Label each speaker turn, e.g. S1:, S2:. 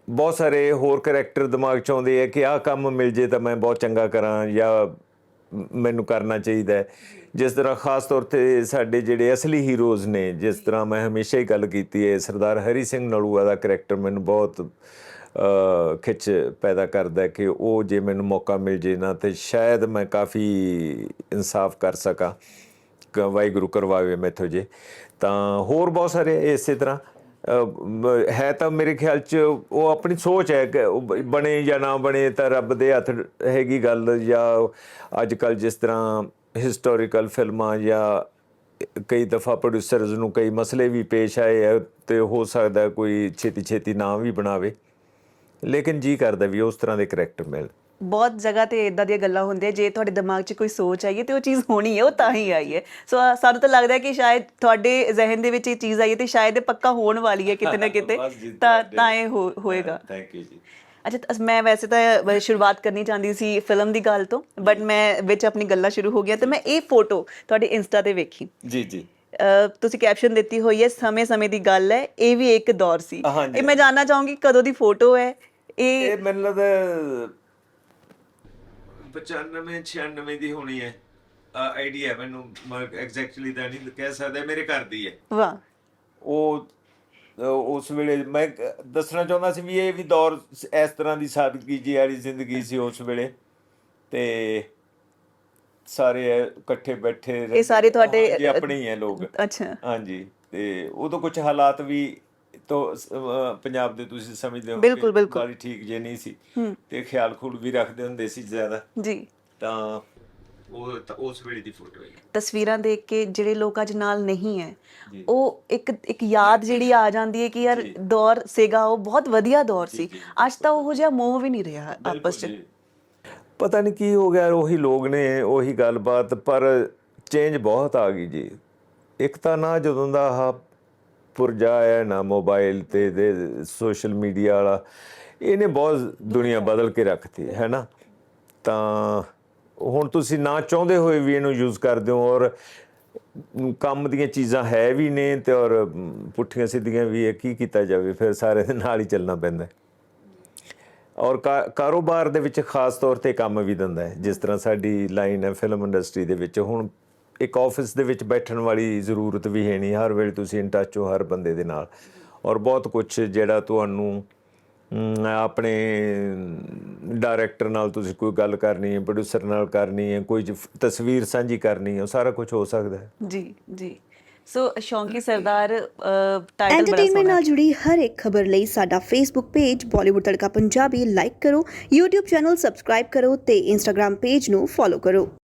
S1: ਬਹੁਤ ਸਾਰੇ ਹੋਰ ਕਰੈਕਟਰ ਦਿਮਾਗ 'ਚ ਆਉਂਦੇ ਆ ਕਿ ਆਹ ਕੰਮ ਮਿਲ ਜੇ ਤਾਂ ਮੈਂ ਬਹੁਤ ਚੰਗਾ ਕਰਾਂ ਜਾਂ ਮੈਨੂੰ ਕਰਨਾ ਚਾਹੀਦਾ ਹੈ। ਜਿਸ ਤਰ੍ਹਾਂ ਖ਼ਾਸ ਤੌਰ 'ਤੇ ਸਾਡੇ ਜਿਹੜੇ ਅਸਲੀ ਹੀਰੋਜ਼ ਨੇ, ਜਿਸ ਤਰ੍ਹਾਂ ਮੈਂ ਹਮੇਸ਼ਾ ਹੀ ਗੱਲ ਕੀਤੀ ਹੈ, ਸਰਦਾਰ ਹਰੀ ਸਿੰਘ ਨਲੂਆ ਦਾ ਕਰੈਕਟਰ ਮੈਨੂੰ ਬਹੁਤ ਖਿੱਚ ਪੈਦਾ ਕਰਦਾ ਕਿ ਉਹ ਜੇ ਮੈਨੂੰ ਮੌਕਾ ਮਿਲ ਜੇ ਨਾ ਤਾਂ ਸ਼ਾਇਦ ਮੈਂ ਕਾਫੀ ਇਨਸਾਫ ਕਰ ਸਕਾਂ, ਵਾਹਿਗੁਰੂ ਕਰਵਾਵੇ ਮੈਥੋਂ ਜੇ। ਤਾਂ ਹੋਰ ਬਹੁਤ ਸਾਰੇ ਇਸੇ ਤਰ੍ਹਾਂ ਹੈ। ਤਾਂ ਮੇਰੇ ਖਿਆਲ 'ਚ ਉਹ ਆਪਣੀ ਸੋਚ ਹੈ ਕਿ ਉਹ ਬਣੇ ਜਾਂ ਨਾ ਬਣੇ ਤਾਂ ਰੱਬ ਦੇ ਹੱਥ ਹੈਗੀ ਗੱਲ। ਜਾਂ ਅੱਜ ਕੱਲ੍ਹ ਜਿਸ ਤਰ੍ਹਾਂ ਹਿਸਟੋਰੀਕਲ ਫਿਲਮਾਂ ਜਾਂ ਕਈ ਦਫਾ ਪ੍ਰੋਡਿਊਸਰਸ ਨੂੰ ਕਈ ਮਸਲੇ ਵੀ ਪੇਸ਼ ਆਏ ਆ ਅਤੇ ਹੋ ਸਕਦਾ ਕੋਈ ਛੇਤੀ ਛੇਤੀ ਨਾ ਵੀ ਬਣਾਵੇ, ਲੇਕਿਨ ਜੀ ਕਰਦਾ ਵੀ ਉਸ ਤਰ੍ਹਾਂ ਦੇ ਕਰੈਕਟਰ ਮਿਲ।
S2: ਬਹੁਤ ਜਗ੍ਹਾ 'ਤੇ ਇੱਦਾਂ ਦੀਆਂ ਗੱਲਾਂ ਹੁੰਦੀਆਂ, ਜੇ ਤੁਹਾਡੇ ਦਿਮਾਗ 'ਚ ਕੋਈ ਸੋਚ ਆਈ ਹੈ ਅਤੇ ਉਹ ਚੀਜ਼ ਹੋਣੀ ਹੈ, ਉਹ ਤਾਂ ਹੀ ਆਈ ਹੈ। ਸੋ ਸਾਨੂੰ ਤਾਂ ਲੱਗਦਾ ਕਿ ਸ਼ਾਇਦ ਤੁਹਾਡੇ ਜ਼ਿਹਨ ਦੇ ਵਿੱਚ ਇਹ ਚੀਜ਼ ਆਈ ਹੈ ਅਤੇ ਸ਼ਾਇਦ ਇਹ ਪੱਕਾ ਹੋਣ ਵਾਲੀ ਹੈ ਕਿਤੇ ਨਾ ਕਿਤੇ, ਤਾਂ ਇਹ ਹੋਏਗਾ।
S1: ਥੈਂਕ ਯੂ ਜੀ।
S2: ਅੱਛਾ, ਮੈਂ ਵੈਸੇ ਤਾਂ ਸ਼ੁਰੂਆਤ ਕਰਨੀ ਚਾਹੁੰਦੀ ਸੀ ਫਿਲਮ ਦੀ ਗੱਲ ਤੋਂ, ਬਟ ਮੈਂ ਵਿੱਚ ਆਪਣੀ ਗੱਲਾਂ ਸ਼ੁਰੂ ਹੋ ਗਈਆਂ ਅਤੇ ਮੈਂ ਇਹ ਫੋਟੋ ਤੁਹਾਡੇ ਇੰਸਟਾ 'ਤੇ ਵੇਖੀ।
S1: ਜੀ ਜੀ।
S2: ਤੁਸੀਂ ਕੈਪਸ਼ਨ ਦਿੱਤੀ ਹੋਈ ਹੈ, ਸਮੇਂ ਦੀ ਗੱਲ ਹੈ, ਇਹ ਵੀ ਇੱਕ ਦੌਰ ਸੀ। ਇਹ ਮੈਂ ਜਾਣਨਾ ਚਾਹੂੰਗੀ ਕਦੋਂ ਦੀ ਫੋਟੋ ਹੈ ਇਹ?
S1: ਮੈਨੂੰ ਲੱਗਦਾ 95-96 ਦੀ ਹੋਣੀ ਹੈ, ਆਈਡੀਆ ਮੈਨੂੰ ਐਗਜ਼ੈਕਟਲੀ ਤਾਂ ਨਹੀਂ ਕਹਿ ਸਕਦਾ, ਮੇਰੇ ਘਰ ਦੀ ਹੈ।
S2: ਵਾਹ।
S1: ਉਹ ਉਸ ਵੇਲੇ ਮੈਂ ਦੱਸਣਾ ਚਾਹੁੰਦਾ ਸੀ ਵੀ ਇਹ ਵੀ ਦੌਰ ਇਸ ਤਰ੍ਹਾਂ ਦੀ ਸਾਦਗੀ ਜੀ ਵਾਲੀ ਜ਼ਿੰਦਗੀ ਸੀ ਉਸ ਵੇਲੇ, ਅਤੇ ਸਾਰੇ ਇਕੱਠੇ ਬੈਠੇ,
S2: ਇਹ ਸਾਰੇ ਤੁਹਾਡੇ
S1: ਆਪਣੇ ਹੀ ਹੈ ਲੋਕ।
S2: ਅੱਛਾ।
S1: ਹਾਂਜੀ, ਅਤੇ ਉਦੋਂ ਕੁਛ ਹਾਲਾਤ ਵੀ ਤੋਂ ਪੰਜਾਬ ਦੇ ਤੁਸੀਂ ਸਮਝਦੇ ਹੋ
S2: ਬਿਲਕੁਲ ਬਿਲਕੁਲ
S1: ਬਾਲੀ ਠੀਕ ਜੇ ਨਹੀਂ ਸੀ, ਤੇ ਖਿਆਲ ਖੂਲ ਵੀ ਰੱਖਦੇ ਹੁੰਦੇ ਸੀ ਜ਼ਿਆਦਾ
S2: ਜੀ।
S1: ਤਾਂ ਉਹ ਉਸ ਵੇਲੇ ਦੀ ਫੋਟੋ ਹੈ।
S2: ਤਸਵੀਰਾਂ ਦੇਖ ਕੇ ਜਿਹੜੇ ਲੋਕ ਅੱਜ ਨਾਲ ਨਹੀਂ ਹੈ, ਉਹ ਇੱਕ ਯਾਦ ਜਿਹੜੀ ਆ ਜਾਂਦੀ ਹੈ ਕਿ ਯਾਰ ਦੌਰ ਸੀਗਾ, ਉਹ ਬਹੁਤ ਵਧੀਆ ਦੌਰ ਸੀ। ਅੱਜ ਤਾਂ ਉਹੋ ਜਿਹਾ ਮੋਹ ਵੀ ਨਹੀਂ ਰਿਹਾ ਆਪਸ 'ਚ।
S1: ਪਤਾ ਨਹੀਂ ਕੀ ਹੋ ਗਿਆ, ਉਹੀ ਲੋਕ ਨੇ, ਉਹੀ ਗੱਲਬਾਤ, ਪਰ ਚੇਂਜ ਬਹੁਤ ਆ ਗਈ ਜੀ। ਇੱਕ ਤਾਂ ਨਾ ਜਦੋਂ ਦਾ ਆਹ ਪੁਰਜਾ ਆਇਆ ਨਾ ਮੋਬਾਈਲ ਤੇ ਸੋਸ਼ਲ ਮੀਡੀਆ ਵਾਲਾ, ਇਹਨੇ ਬਹੁਤ ਦੁਨੀਆ ਬਦਲ ਕੇ ਰੱਖਤੀ ਹੈ ਨਾ। ਤਾਂ ਹੁਣ ਤੁਸੀਂ ਨਾ ਚਾਹੁੰਦੇ ਹੋਏ ਵੀ ਇਹਨੂੰ ਯੂਜ਼ ਕਰਦੇ ਹੋ, ਔਰ ਕੰਮ ਦੀਆਂ ਚੀਜ਼ਾਂ ਹੈ ਵੀ ਨੇ ਅਤੇ ਔਰ ਪੁੱਠੀਆਂ ਸਿੱਧੀਆਂ ਵੀ ਹੈ, ਕੀ ਕੀਤਾ ਜਾਵੇ, ਫਿਰ ਸਾਰੇ ਦੇ ਨਾਲ ਹੀ ਚੱਲਣਾ ਪੈਂਦਾ। ਔਰ ਕਾਰੋਬਾਰ ਦੇ ਵਿੱਚ ਖਾਸ ਤੌਰ 'ਤੇ ਕੰਮ ਵੀ ਦਿੰਦਾ ਹੈ। ਜਿਸ ਤਰ੍ਹਾਂ ਸਾਡੀ ਲਾਈਨ ਹੈ ਫਿਲਮ ਇੰਡਸਟਰੀ ਦੇ ਵਿੱਚ, ਹੁਣ ਇੱਕ ਆਫਿਸ ਦੇ ਵਿੱਚ ਬੈਠਣ ਵਾਲੀ ਜ਼ਰੂਰਤ ਵੀ ਹੈ ਨਹੀਂ, ਹਰ ਵੇਲੇ ਤੁਸੀਂ ਇਨ ਟੱਚ ਹੋ ਹਰ ਬੰਦੇ ਦੇ ਨਾਲ, ਔਰ ਬਹੁਤ ਕੁਛ ਜਿਹੜਾ ਤੁਹਾਨੂੰ ਆਪਣੇ ਡਾਇਰੈਕਟਰ ਨਾਲ ਤੁਸੀਂ ਕੋਈ ਗੱਲ ਕਰਨੀ ਹੈ, ਪ੍ਰੋਡਿਊਸਰ ਨਾਲ ਕਰਨੀ ਹੈ, ਕੋਈ ਤਸਵੀਰ ਸਾਂਝੀ ਕਰਨੀ ਹੈ, ਉਹ ਸਾਰਾ ਕੁਛ ਹੋ ਸਕਦਾ ਹੈ। ਜੀ
S2: ਜੀ। ਸੋ ਸ਼ੌਂਕੀ ਸਰਦਾਰ
S3: ਐਂਟਰਟੇਨਮੈਂਟ ਨਾਲ ਜੁੜੀ ਹਰ ਇੱਕ ਖਬਰ ਲਈ ਸਾਡਾ Facebook page Bollywood Tadka Punjabi like ਕਰੋ, YouTube ਚੈਨਲ ਸਬਸਕ੍ਰਾਈਬ ਕਰੋ ਤੇ Instagram ਪੇਜ ਨੂੰ ਫੋਲੋ ਕਰੋ।